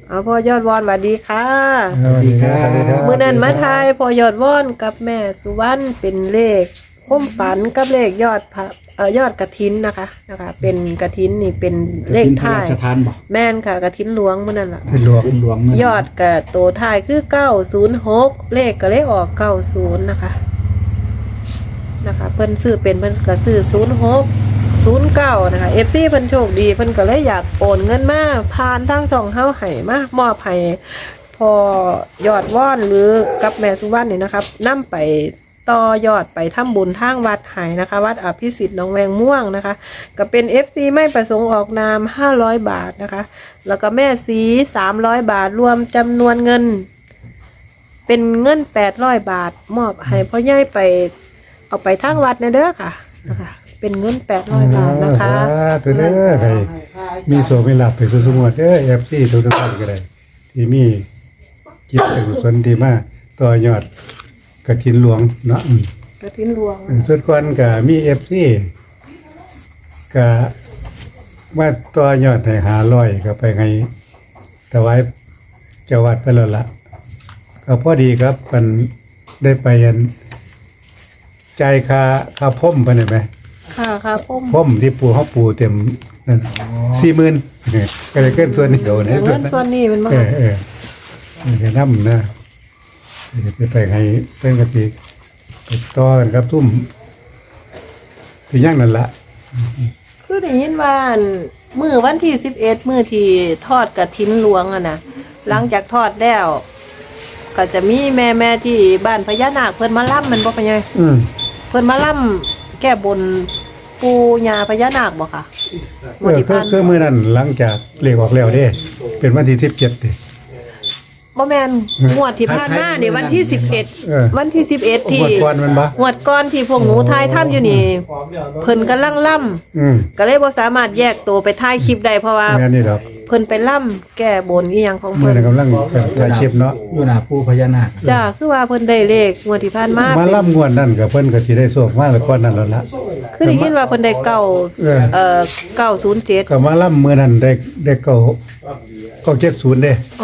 พ่อยอดวอนสวัสดีค่ะสวัสดีครับมื้อนั้นมาทายพ่อยอดวอนกับแม่สุวรรณเป็นเลขความฝันกับเลขยอดยอดกฐินนะคะเป็นกฐินนี่เป็นเลขท้ายราชทานบ่แม่นค่ะกฐินหลวงมื้อนั้นล่ะเป็นหลวงยอดกับตัวท้ายคือ906เลขก็เลยออก90นะคะเพิ่นซื้อเป็นเพิ่นก็ซื้อ0609นะคะ FC เพิ่นโชคดีเพิ่นก็เลยอยากโอนเงินมาผ่านทางช่องเฮาให้มามอบให้พอยอดว่อนหรือกับแม่สุวรรณนี่นะครับนำไปต่อยอดไปทำบุญทางวัดให้นะคะวัดอภิสิทธิ์หนองแวงม่วงนะคะก็เป็น FC ไม่ประสงค์ออกนาม500 บาทนะคะแล้วก็แม่สี300 บาทรวมจำนวนเงินเป็นเงิน800 บาทมอบให้พ่อใหญ่ไปเอาไปทางวัดนะเด้อค่ะนะคะเป็นเงิน800 บาทนะคะตัวเด้อใครมีโสมีหลับไปสู่สมุทรเด้อ FC ทุกท่านก็ได้ที่มีจิตกุศลที่มาต่อยอดกฐินหลวงเนาะกฐินหลวงส่วนก่อนก็มี FC ก็ว่าต่อยอดให้500ก็ไปให้ถวายเจ้าวัดไปแล้วล่ะก็พอดีครับมันได้ไปจ่ายค่าพ่มไปได้ไหมค่ะพ่มพ่มที่ปูเขาปูเต็มนั่น40,000ก็เลยเกินส่วนนี้โดนเงินส่วนนี้มันบ่จะนำนะจะไปให้เป็นกะทิไปต่อกันครับทุ่มที่ย่างนั่นละคือได้ยินว่ามื้อวันที่11มื้อที่ทอดกฐินหลวงอ่ะนะหลังจากทอดแล้วก็จะมีแม่ที่บ้านพญานาคเพิ่นมาล่ำมันบ่เป็นไงเพิ่นมาล่ำแก้บนปู่ย่าพญานาคบ่ค่ะคือมื้อนั้นหลังจากเลขออกแล้วเด้เป็นวันที่17เด้บ่แม่นงวดที่ผ่านมานี่วันที่11วันที่11ที่งวดก่อนมันบ่งวดก่อนที่พวกหนูถ่ายทำอยู่นี่เพิ่นกำลังล่ำก็เลยบ่สามารถแยกตัวไปถ่ายคลิปได้เพราะว่าแม่นี่ดอกเพิ่นไปล่ำแก้บนอีหยังของมื้อเพิ่นนั้นกำลังถ่ายคลิปเนาะอยู่หน้าปู่พญานาคจ้าคือว่าเพิ่นได้เลขงวดที่ผ่านมามาล่ำงวดนั่นก็เพิ่นก็สิได้โชคมาแล้วก่อนนั้นแล้วล่ะคือได้ยินว่าเพิ่นได้907 ก็มาล่ำมื้อนั้นได้970เด้อ๋อ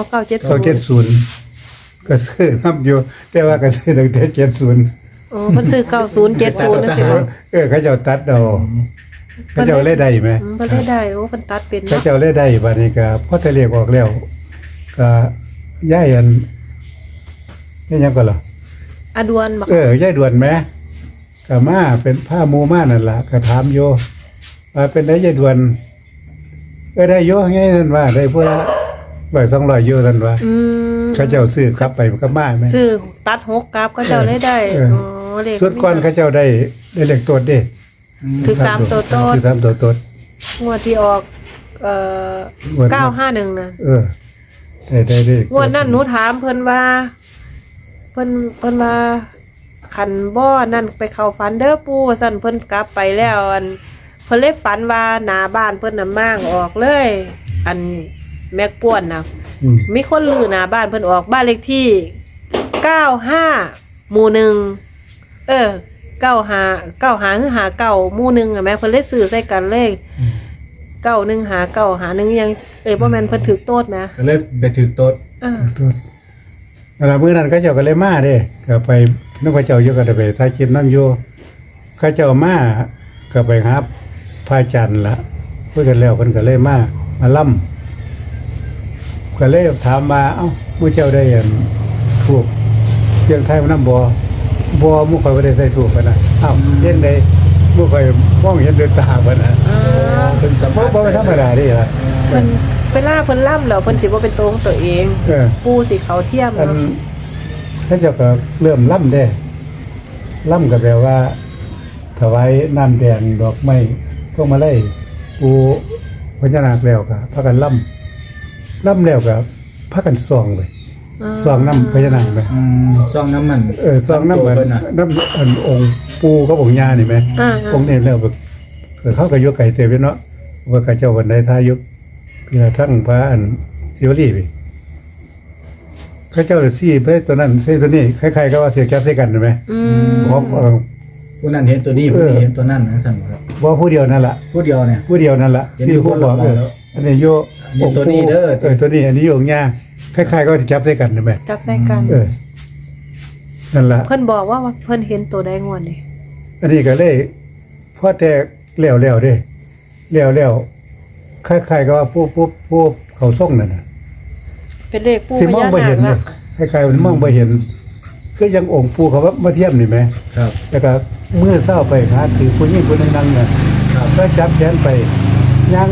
970 ก็ซื้อนํอยู่แต่ว่าก็ซื้อตั้งแต่70 อ๋อเพิ่นซื้อ9070จังซี่บ่เขาเจ้าตัดเอาเขาเจ้าเล่ได้ไหมเพิ่นได้โอ้เพิ่นตัดเป็นเขาเนาะเจ้าเล่ได้บัดนี้ก็พอทะเลขออกแล้วก็ย้ายนี่ยังก็เหรออดวนบ่ย้ายด่วนไหมก็มาเป็นผ้ามูมานั่นล่ะก็ถามโยว่าเป็นได้ย้ายด่วนได้โยไงนั่นว่าได้พุ่นละ200โยนั่นว่าเขาเจ้าซื้อกลับไปก็มาแม่ซื้อตัด6กลับก็เจ้าเลยได้อ๋อเลขส่วนก่อนเขาเจ้าได้เลขตัวเด้ถึง3ตัวโตคือ3ตัวต้นงวดที่ออก951น่ะได้งวดนั้นหนูถามเพิ่นว่าเพิ่นว่าคันบ่นั่นไปเข้าฝันเด้อปู่ซั่นเพิ่นกลับไปแล้วอันเพิ่นเลยฝันว่าหน้าบ้านเพิ่นน่ะม้างออกเลย อันแม็กป่วนน่ะมีคนลือหน้าบ้านเพิ่นออกบ้านเลขที่95หมู่195คือ59หมู่1อ่ะแม่เพิ่นเลยซื้อใส่กันเลย915951ยังบ่แม่นเพิ่นถูกโตดนะก็เลยไปถือโต๊ะมื้อนั้นเขาเจ้าก็เลยมาเด้ก็ไปนกเขาเจ้าอยู่ก็ได้ไปถ่ายคลิปนำอยู่เขาเจ้ามาก็ไปหาพระอาจารย์ล่ะคุยกันแล้วเพิ่นก็เลยมาล่ำก็เลยถามว่าเอ้ามื้อเจ้าได้ถูกเสียงไทยมันนำบ่มื้อข่อยบ่ได้ใส่ถูกปานน่ะเอ้าเห็นได้มื้อข่อยมองเห็นด้วยตาปานน่ะเป็นสัมภาษณ์บ่ธรรมดาเด้ล่ะเพิ่นเวลาเพิ่นล่ำแล้วเพิ่นสิบ่เป็นตัวของตัวเองปูสิเขาเทียมอันเนาะเขาเจ้าก็เริ่มล่ำได้ล่ำก็แปลว่าถวายน้ำแดงดอกไม้พวกมาไล่ปูพญานาคแล้วก็พากันล่แล้วก็พากันส่องเลยส่องน้ำพญานาคไหมซ่องน้ำมันส่องน้ำเหมือนน้ำอันองค์ปูกับองค์ย่านี่ไหมองค์นี้แล้วแบบเข้ากับยกไก่เตยเนาะว่าข้าเจ้าวันใดทายุกพี่ทั้งพระอันทิวรีไปข้าเจ้าเลยซี่ไปตัวนั้นซี่ตัวนี้คล้ายๆก็ว่าเสียแก๊สใส่กันใช่ไหมเพราะผู้นั้นเห็นตัวนี้ผู้นี้เห็นตัวนั้นนะสั่นครับว่าผู้เดียวนั่นแหละผู้เดียวเนี่ยผู้เดียวนั่นแหละเห็นซี่อยู่ผู้คนบละอกคนแล้วอันนี้โยนี่ตัวนี้เด้อตัวนี้อันนี้องค์ย่าคล้ายๆก็จับด้วยกันใช่ไหมจับใส่กันนั่นล่ะเพิ่นบอกว่าเพิ่นเห็นตัวใดงวดนี่อันนี้ก็เลยพอแต่แล้วเด้แล้วคล้ายๆก็ว่าผู้เขาส่งนั่นน่ะเป็นเลขปู่สิพมองญาบ่นาเห็คนเนี่ละยคล้ายๆมันมองบ่เห็นก็ยังองค์ปู่เขาว่ามาเทียมนี่ไหมครับแล้วก็มือเศร้าไปหาถือผู้หญิงคนนึงนั่งน่ะครับก็จับแขนไปยัง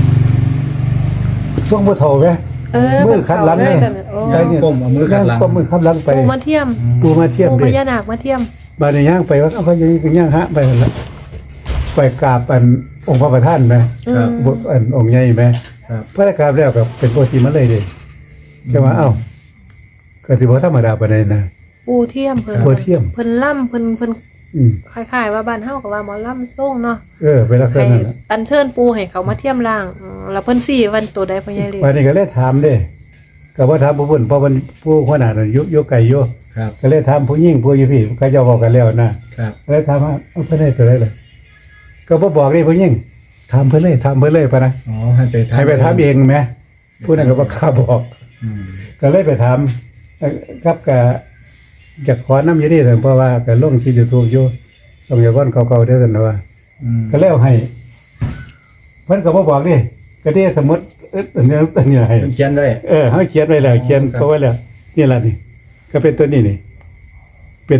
ช่วงบ่เฒ่าไหม มือคัดหลังเลเลยยโอ้ย่างก้มเอามือขัดหลังก็มือขับหลังไปปู่มาเทียมปู่มาเทียมปู่เด้พญานาคมาเทียมบาดนี้ย่างไปว่าเอาเขาอย่างนี้ก็ย่างฮะไปนั่นละไปกราบอันองค์พระประธานไหมครับบทอันองค์ใหญ่ไหมครับพระกราบแล้วก็เป็นโพธิมาเลยเด้แต่ว่าเอ้าก็สิบ่ธรรมดาปานใดนะปู่เทียมเพิ่นปู่เทียมเพิ่นล่ำเพิ่นอืมคล้ายๆว่าบ้านเฮาก็ว่าหมอล่ำส่งเนาะเป็นลักษให้ณะนั้นน่ะอัญเชิญปู่ให้เขามาเทียมร่างแล้วเพิ่นสี่วันตัวใดพ่อใหญ่เลยบาดนี้ก็เลยถามเด้ก็บ่ถามผู้เพิ่นเพราะมันผู้หัวหน้านั่นอยู่ไกลอยู่ครับก็เลยถามผู้หญิงผู้อยู่พี่เขาเจ้าบอกกันแล้วนะครับ ก็เลยถามว่าเอาเพิ่นได้ตัวใดล่ะก็บ่บอกนี่ผู้หญิงถามเพิ่นเลยปะนะอ๋อให้ไปให้ไปถามเองไหมผู้นั้นก็บ่กล้าบอกอืมก็เลยไปถามครับก็อยากขอน้ำอยู่นี่แต่เพราะว่าก็ลงที่ YouTube อยู่ส่งยาวันเก่าๆเด้อซั่นว่าอืมก็แล้วให้เพิ่นก็บ่บอกนี่ก็ได้สมมุติอันนี้ให้เพิ่นเขียนไว้เฮาเขียนไว้แล้วเขียนครับเขาไว้แล้วนี่ล่ะนี่ ก็เป็นตัวนี้นี่ เป็น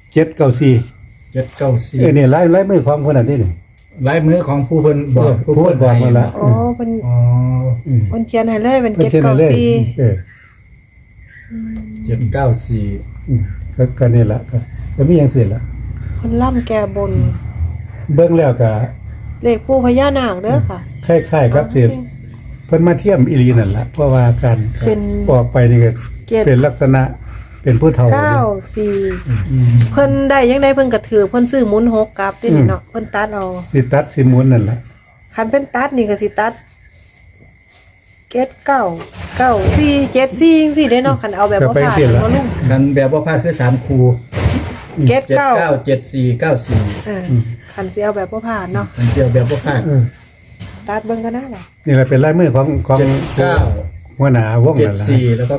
794 794 นี่ลายมือของคนนั้นนี่นี่ลายมือของผู้เพิ่นบอกผู้เพิ่นบอกมาละโอ้เพิ่นอ๋ออืมเพิ่นเขียนให้เลยเป็นเพิ่นเขียนให้เลย 794 อืมก็นี่ล่ะก็มีอย่างอื่นล่ะเพิ่นล่ำแก้บนเบิ่งแล้วก็เลขปู่พญานาคเด้อค่ะคล้ายๆครับสิเพิ่นมาเทียมอีหลีนั่นล่ะเพราะว่าการเป็นออกไปนี่ก็เจ็ดเป็นลักษณะเป็นผู้เฒ่า 94เพิ่นได้ยังได้เพิ่นก็ถือเพิ่นซื้อหมุน6กลับนี่เนาะเพิ่นตัดเอาสิตัดสิหมุนนั่นล่ะคันเป็นตัดนี่ก็สิตัด9 4 7 4จังซี่เด้เนาะคันเอาแบบบ่ผ่านเนาะลุงกันแบบว่าพลาดคือ3คู่ 79 79 74 94 คันสิเอาแบบบ่ผ่านเนาะมันเสียวแบบว่าพลาดเออตัดเบิ่งกันนะล่ะนี่แหละเป็นลายมือของ 79 หัวหน้าวงนั่นล่ะ 74แล้วก็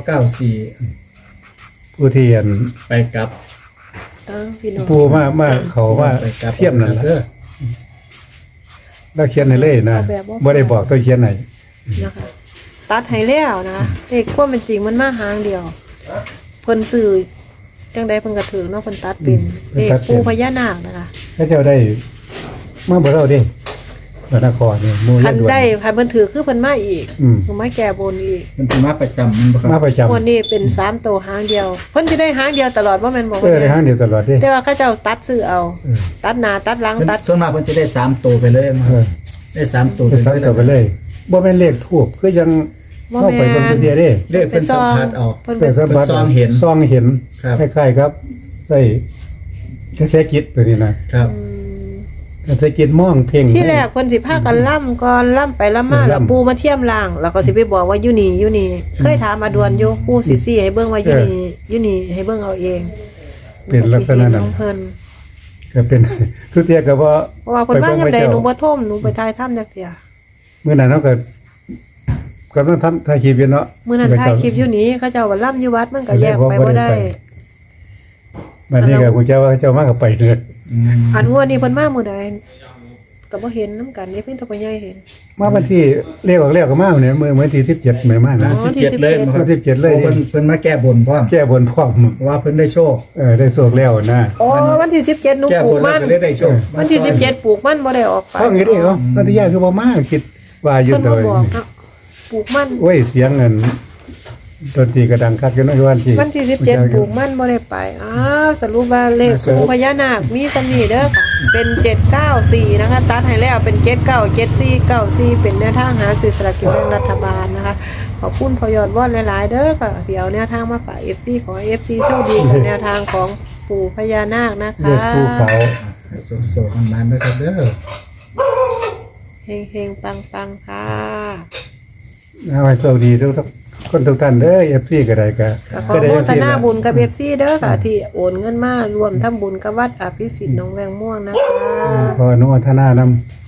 94 ผู้ที่อันไปกลับพี่น้องผู้มาเขาว่าไปกลับเทียมนั่นล่ะเด้อแล้วเขียนให้เลยนะบ่ได้บอกตัวเขียนให้นะคะตัดให้แล้วนะเลขความเป็นจริงมันมาหางเดียว เพิ่นซื้อจังใดเพิ่นก็ถือเนาะเพิ่นตัดเป็นเลขปู่พญานาคนะคะเขาเจ้าได้มาบ่เราเด้พระนครนี่หมู่คันด่วนได้คันเพิ่นถือคือเพิ่นมาอีกอืมเพิ่นมาแก้บนอีกมันเป็นมาประจำมันบ่คมารับประจำวันนี้เป็น3ตัวหางเดียว เพิ่นสิได้หางเดียวตลอดว่าแม่นบ่เออได้ว่าทางเดียวตลอดเด้แต่ว่าเขาเจ้าตัดซื้อเอาเออตัดหน้าตัดหลังเพิ่นตัดส่วนมากเพิ่นจะได้3ตัวไปเลยมาเออได้3ตัวไปไปซักเลยต่อไปเลยบ่แม่นเลขทูบคือยังเข้าไปเบิ่งตัวเดียวเด้เลขเพิ่นสัมผัสออกเพิ่นเป็เป็น นสัมผัสซองเห็นซองเห็นครับคล้ายๆครับใส่กระแสกิจตัวนี้นะครับ กระแสกิจมองเพ่งที่แรกเพิ่นสิพากันล่ำก่อนล่ำไปล่ำมาล่ำแล้วปูมาเทียมล่าง แล้วก็สิไปบอกว่าอยู่นี่อยู่นี่เคยถามมาดวนอยู่ปูสิซี่ให้เบิ่งว่าอยู่นี่อยู่นี่ให้เบิ่งเอาเองเป็นลักษณะนั้นของเพิ่นก็เป็น ทุกเทียก็บ่เพราะว่าเพิ่นมายามใดเจ้หนูบ่ท่มหนูไปทายถ้ำจักเที่ยมื้อนั้นเนาะก็กำลังทำถ่ายคลิปอยู่เนาะมื้อนั้นถ่ายคลิปอยู่นี่เขาเจ้าว่าล่ำอยู่วัดมันก็แยกไปบ่ได้บัดนี้ก็คุณเจ้าว่าเจ้ามาก็ไปเลยอืมอันงวดนี้เพิ่นมามื้อใดก็บ่เห็นนํกันนี่เพิ่นตะบ่ใหญ่เห็นมาวันที่เลขออกแล้วก็มาเนี่ยมื้อที่17มื้อมาวันะน17เลยมาครับวัน17เลยโอ้เพิ่นมาแก้บนพร้อมแก้บนพร้อมว่าเพิ่นได้โชคได้โชคแล้วนะอ๋อวันที่17หนูแก้ปลูบกนแล้มัวน ก็เลยได้โชควันที่17ปลูกมันบ่ได้ออกไปเพราะงี้นี่เนาะนันทิยาคือบ่มาคิดว่าอยู่เพิ่นโดมาย บอกเนาะปลูกมันโอ้ยเสียงเงินดนตรีกระดังคักอยู่เนาะวันที่วันที่17ปลูกมันบ่ได้ไปอ้าวสรุปว่าเลขปู่พญานาคมีสำนีเด้อค่ะเป็น794นะคะตัดให้แล้วเป็น797494เป็นแนวทางหาซื้อสลากกินแบ่งรัฐบาลนะคะขอบคุณพอยอดวอนหลายๆเด้อค่ะเดี๋ยวแนวทางมาฝาก FC ขอให้ FC โชคดีกับแนวทางของปู่พญานาคนะเรียคะกภูเขาโซๆมันๆนะครับเด้อเฮงๆปังๆค่ะเอาให้โชคดีทุกคนทุกท่านเด้อ FC ก็ได้ก็ขอได้โมจังทซี่นาล่ะบุญกับ FC เด้อค่ะ ที่โอนเงินมารวมทำบุญกับวัดอภิสิทธิ์หนองแวงม่วงนะคะขออนุโมทนานำ